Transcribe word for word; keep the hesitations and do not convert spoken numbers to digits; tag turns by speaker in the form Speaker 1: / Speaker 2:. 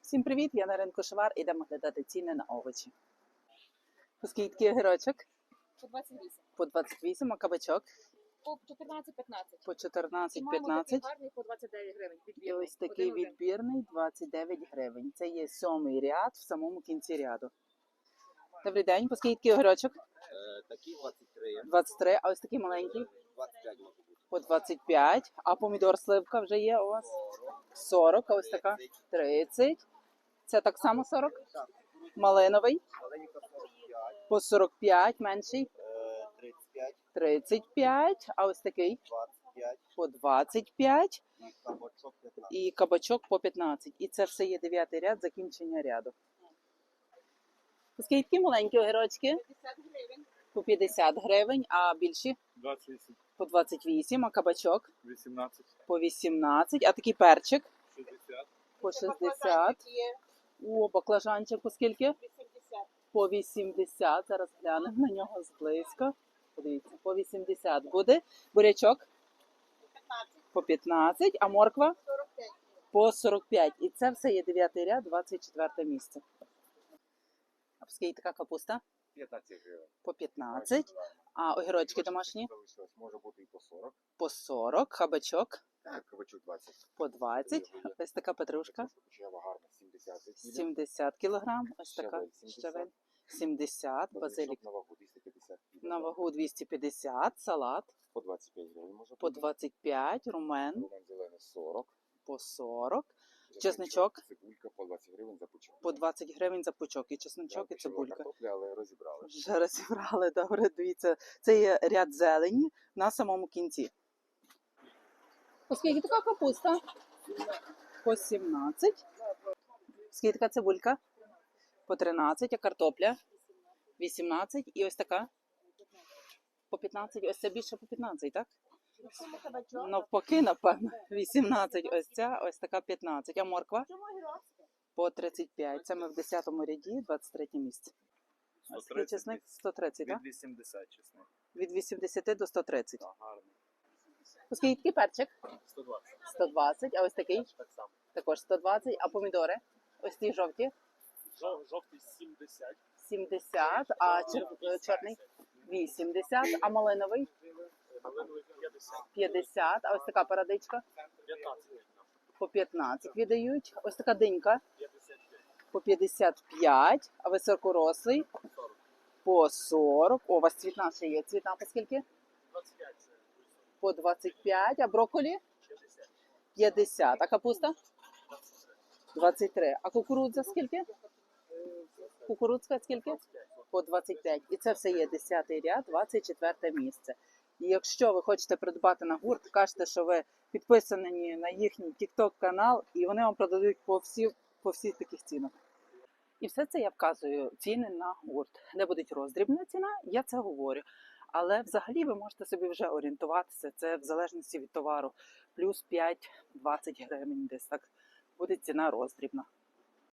Speaker 1: Всім привіт! Я на ринку Шовар. Ідемо глядати ціни на овочі. По скільки огірочок?
Speaker 2: По двадцять вісім.
Speaker 1: По двадцять вісім, а кабачок?
Speaker 2: По чотирнадцять п'ятнадцять.
Speaker 1: По чотирнадцять
Speaker 2: Маємо
Speaker 1: п'ятнадцять.
Speaker 2: такий гарний по двадцять дев'ять гривень.
Speaker 1: І
Speaker 2: Відбірний.
Speaker 1: ось такий
Speaker 2: Один-один.
Speaker 1: відбірний двадцять дев'ять гривень. Це є сьомий ряд в самому кінці ряду. Добрий день, по скільки огірочок?
Speaker 3: Е, Такі двадцять три,
Speaker 1: двадцять три, а ось такий маленький?
Speaker 3: двадцять п'ять може бути.
Speaker 1: По двадцять п'ять. А помідор сливка вже є у вас? сорок, а ось така? тридцять. Це так само сорок?
Speaker 3: Так,
Speaker 1: Малиновий?
Speaker 3: маленька сорок п'ять,
Speaker 1: По сорок п'ять, менший?
Speaker 3: е, тридцять п'ять,
Speaker 1: тридцять п'ять, а ось такий?
Speaker 3: двадцять п'ять
Speaker 1: По двадцять п'ять.
Speaker 3: і кабачок п'ятнадцять.
Speaker 1: І кабачок по п'ятнадцять. І це все є дев'ятий ряд, закінчення ряду. Скільки маленькі огірочки?
Speaker 2: п'ятдесят гривень.
Speaker 1: По п'ятдесят гривень, а більші?
Speaker 4: двадцять вісім,
Speaker 1: По двадцять вісім, а кабачок?
Speaker 4: вісімнадцять,
Speaker 1: По вісімнадцять, а такий перчик?
Speaker 4: шістдесят,
Speaker 1: По
Speaker 2: Ще
Speaker 1: шістдесят.
Speaker 2: баклажанчик є.
Speaker 1: О, баклажанчик по скільки?
Speaker 2: вісімдесят.
Speaker 1: По вісімдесят. Зараз глянемо на нього зблизько. Подивіться, по вісімдесят буде. Бурячок?
Speaker 2: п'ятнадцять.
Speaker 1: По п'ятнадцять, а морква?
Speaker 2: сорок п'ять.
Speaker 1: По сорок п'ять. І це все є дев'ятий ряд, двадцять четверте місце. А по скільки така капуста?
Speaker 3: п'ятнадцять гривень.
Speaker 1: По п'ятнадцять. А огірочки домашні?
Speaker 3: Залишилось, може бути і по сорок.
Speaker 1: По сорок. Хабачок?
Speaker 3: Так, кабачок двадцять.
Speaker 1: По двадцять. Ось така петрушка?
Speaker 3: Почава гарна, сімдесят.
Speaker 1: сімдесят кілограм. Ось така
Speaker 3: Щавель сімдесят.
Speaker 1: щавель. сімдесят. Базилік
Speaker 3: На вагу двісті п'ятдесят.
Speaker 1: на вагу двісті п'ятдесят. Салат
Speaker 3: По двадцять п'ять гривень може
Speaker 1: по
Speaker 3: бути.
Speaker 1: двадцять п'ять. Румен
Speaker 3: Руман зелений сорок.
Speaker 1: по сорок. Чесничок?
Speaker 3: Цибулька по двадцять гривень за пучок.
Speaker 1: По двадцять гривень за пучок. І чесничок, і
Speaker 3: Там ще була
Speaker 1: цибулька.
Speaker 3: картопля, але розібрали.
Speaker 1: Вже розібрали, добре, дивіться. Це є ряд зелені на самому кінці. Оскільки така капуста? По сімнадцять. Скільки така цибулька? По тринадцять, а картопля? вісімнадцять. І ось така? По п'ятнадцять. Ось це більше по п'ятнадцять, так? Навпаки, напевно. вісімнадцять ось ця, ось така п'ятнадцять. А морква? По тридцять п'ять. Це ми в десятому ряді, двадцять третє місце. Ось такий чесник сто тридцять, так?
Speaker 4: від вісімдесят чесник.
Speaker 1: Від вісімдесят до сто тридцять.
Speaker 4: Так, гарний.
Speaker 1: Оскільки такий перчик?
Speaker 4: сто двадцять.
Speaker 1: сто двадцять, а ось такий?
Speaker 4: Так само.
Speaker 1: Також сто двадцять. А помідори? Ось ті жовті?
Speaker 4: Жов, жовтий сімдесят.
Speaker 1: сімдесят, а чер... чорний? вісімдесят, а малиновий?
Speaker 4: Малиновий п'ятдесят.
Speaker 1: п'ятдесят, а ось така парадичка?
Speaker 4: п'ятнадцять.
Speaker 1: По п'ятнадцять віддають. Ось така динька?
Speaker 4: п'ятдесят п'ять.
Speaker 1: По п'ятдесят п'ять, а високорослий?
Speaker 4: сорок.
Speaker 1: По сорок. О, у вас цвітна ще є. Цвітна по скільки?
Speaker 4: двадцять п'ять.
Speaker 1: По двадцять п'ять, а брокколі?
Speaker 4: шістдесят.
Speaker 1: п'ятдесят, а капуста? двадцять три. А кукурудза скільки? Кукурудзка скільки? По двадцять п'ять. І це все є десятий ряд, двадцять четверте місце. І якщо ви хочете придбати на гурт, кажете, що ви підписані на їхній тік-ток-канал, і вони вам продадуть по всі, по всіх таких цінах. І все це я вказую ціни на гурт. Де буде роздрібна ціна, я це говорю. Але взагалі ви можете собі вже орієнтуватися, це в залежності від товару. Плюс п'ять-двадцять гривень десь так буде ціна роздрібна.